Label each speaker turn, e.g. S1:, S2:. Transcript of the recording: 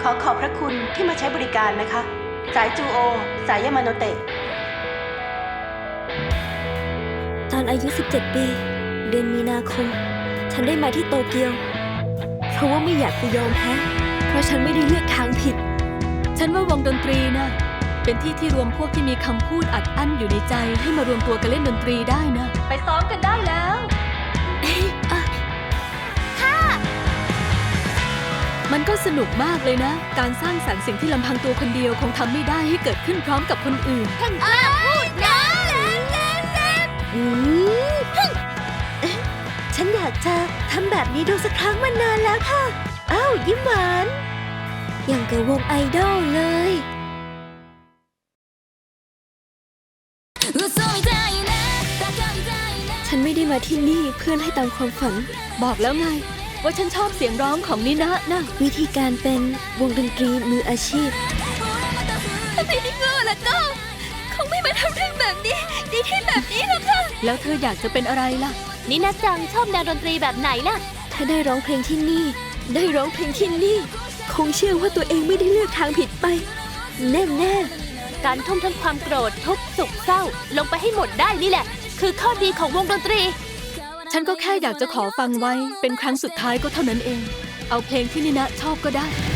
S1: ขอขอบพระคุณที่มาใช้บริการนะคะสายจูโอสายยามาโนเตะ
S2: ตอนอายุ 17 ปี เดือนมีนาคม ฉันได้มาที่โตเกียว เพราะว่าไม่อยากจะยอมแพ้เพราะฉันไม่ได้เลือกทางผิด
S3: ฉันว่าวงดนตรีนะเป็นที่ที่รวมพวกที่มีคำพูดอัดอั้นอยู่ในใจให้มารวมตัวกันเล่นดนตรีได้นะไปซ้อมกันได้แล้วมันก็สนุกมากเลยนะการสร้างสรรค์สิ่งที่ลำพังตัวคนเดียวคงทำไม่ได้ให้เกิดขึ้นพร้อมกับคนอื่น
S2: ท่านกล้าพูดนะฉันอยากจะทำแบบนี้ดูสักครั้งมานานแล้วค่ะอ้าวยิ้มหวานอย่างกับวงไอดอลเลยฉันไม่ได้มาที่นี่เพื่อให้ตามความฝัน
S3: บอกแล้วไงว่าฉันชอบเสียงร้องของนินะนะ
S2: วิธีการเป็นวงดนตรีมืออาชีพถ้าไม่ได้เงอแล้วก็คงไม่มาทำเรื่องแบบนี้ดีที่แบบนี้หรอกค่ะ
S3: แล้วเธออยากจะเป็นอะไรล่ะ
S2: นินะจังชอบแนวดนตรีแบบไหนล่ะถ้าได้ร้องเพลงที่นี่ได้ร้องเพลงที่นี่คงเชื่อว่าตัวเองไม่ได้เลือกทางผิดไปแน่ๆการทุ่มทั้งความโกรธทุกข์สุขเศร้าลงไปให้หมดได้นี่แหละคือข้อดีของวงดนตรี
S3: ฉันก็แค่อยากจะขอฟังไว้เป็นครั้งสุดท้ายก็เท่านั้นเองเอาเพลงที่นินะชอบก็ได้